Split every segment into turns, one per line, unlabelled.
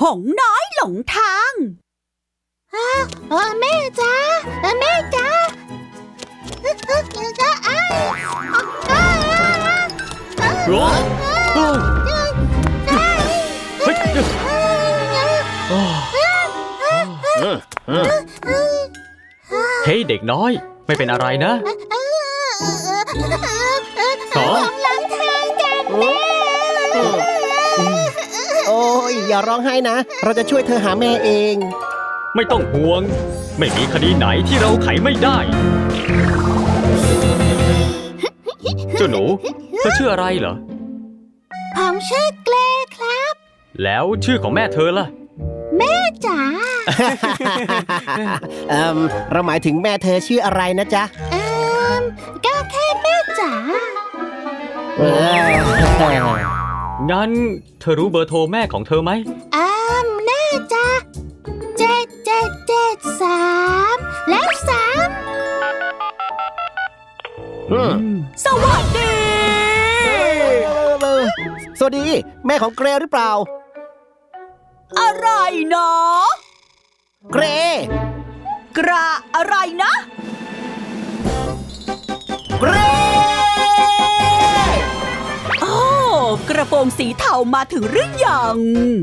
งน้อยหลงทาง
แม่จ้าแม่จ้า
เฮ้ยเด็กน้อยไม่เป็นอะไรนะ
หลังทางกันแม่
โอ้ยอย่าร้องไห้นะเราจะช่วยเธอหาแม่เอง
ไม่ต้องห่วงไม่มีคดีไหนที่เราไขไม่ได้เจ้าหนูเธอชื่ออะไรเหรอ
ผมชื่อเกรครับ
แล้วชื่อของแม่เธอล่ะ
แม่จ๋า
เราหมายถึงแม่เธอชื่ออะไรนะจ๊ะ
ก็แค่แม่จ๋า
งั้นเธอรู้เบอร์โทรแม่ของเธอไหม
แน่จ้ะ7773แล้ว3
สวัสดี
สวัสดีแม่ของเกรหรือเปล่า
อะไรนะ
เกร
กระอะไรนะ
เกร
โอ้กระโปรงสีเทามาถึงหรือยัง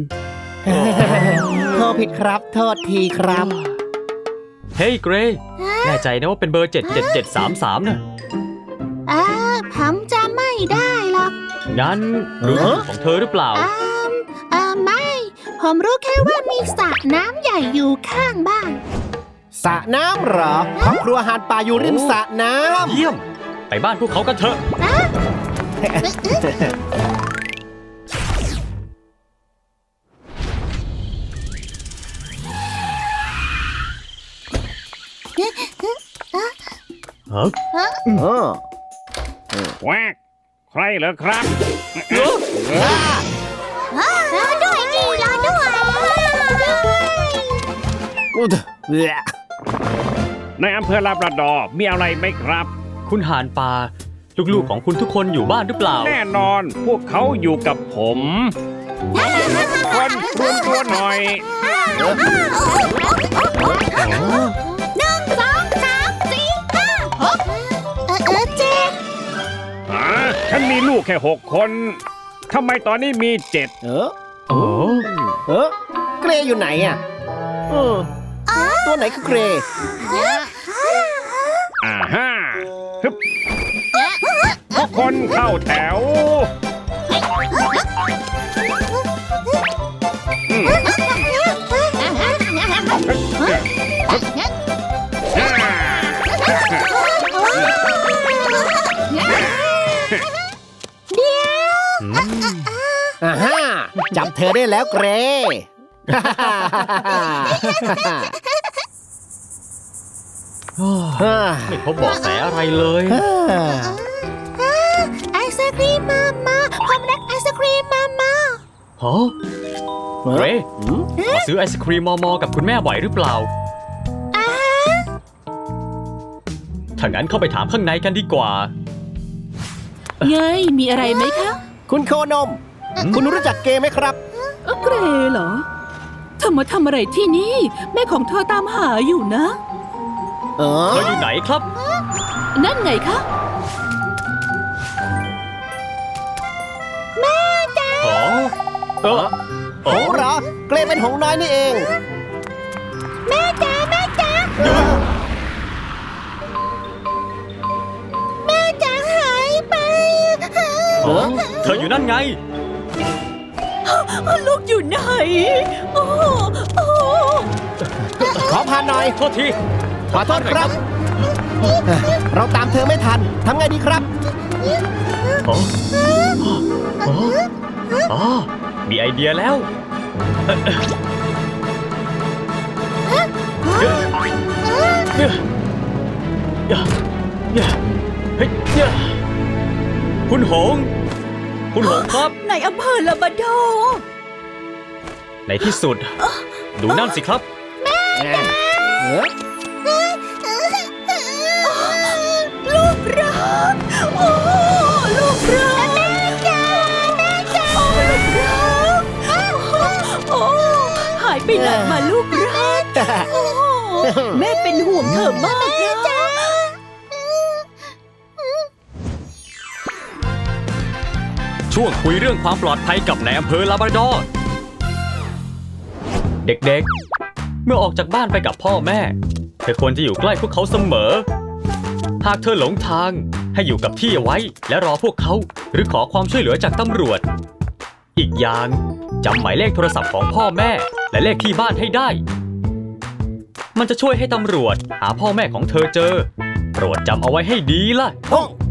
โทษผิดครับโทษทีครับ
เฮ้ยเกรแน่ใจนะว่าเป็นเบอร์77733น่ะ
ผมจำไม่ได้หรอก
งั้นรู้ชื่อของเธอหรือเปล่า
ไม่ผมรู้แค่ว่ามีสระน้ำใหญ่อยู่ข้างบ้าน
สระน้ำเหรอครอบครัวหาดป่าอยู่ริมสระน้ำ
เยี่ยมไปบ้านพวกเขากันเถอะ
แวกใครเหรอครับ
รอด้วยดิรอด้วย
ในอำเภอลาบราดอร์มีอะไรไหมครับ
คุณหานป่าลูกๆของคุณทุกคนอยู่บ้านหรือเปล่า
แน่นอนพวกเขาอยู่กับผมคนรวมตัวหน่อยฉันมีลูกแค่6 คนทำไมตอนนี้มี7
เกรอยู่ไหนอ่ะตัวไหนคือเกร
ทุกคนเข้าแถว
จับเธอได้แล้วเกร
ไม่พบเบาะแสอะไรเลย
ไอศครีมมาผมรักไอศครีมมา
ฮะเรมาซื้อไอศครีมมอกับคุณแม่บ่อยหรือเปล่าถ้างั้นเข้าไปถามข้างในกันดีกว่า
ไงมีอะไรไหมคะ
คุณโคนมคุณรู้จักเกไหมครับ
เกรเหรอเธอมาทำอะไรที่นี่แม่ของเธอตามหาอยู่นะ
เธออยู่ไหนครับ
นั่นไงคะ
แม่จ๋า
หงเหรอเกรเป็นหงน้อยนี่เอง
แม่จ๋าแม่จ๋าหายไป
เธออยู่นั่นไง
ลูกอยู่ไหน
ขอพาหน่อย
โทษที
ขอโทษครับเราตามเธอไม่ทันทำไงดีครับ
มีไอเดียแล้วคุณหงครับ
ในอำเภอลาบราดอร์
ในที่สุดดูนั่นสิครับ
ลูกรักลูกรักแม่จ๋าลูกรักกลับมาลูกรักโอ้โหแม่เป็นห่วงเธอมากนะ
ช่วงคุยเรื่องความปลอดภัยกับนายอำเภอลาบราดอร์เด็กๆ เมื่อออกจากบ้านไปกับพ่อแม่เธอควรจะอยู่ใกล้พวกเขาเสมอ หากเธอหลงทางให้อยู่กับที่เอาไว้และรอพวกเขาหรือขอความช่วยเหลือจากตำรวจ อีกอย่างจำหมายเลขโทรศัพท์ของพ่อแม่และเลขที่บ้านให้ได้ มันจะช่วยให้ตำรวจหาพ่อแม่ของเธอเจอโปรดจำเอาไว้ให้ดีล่ะ
โอ้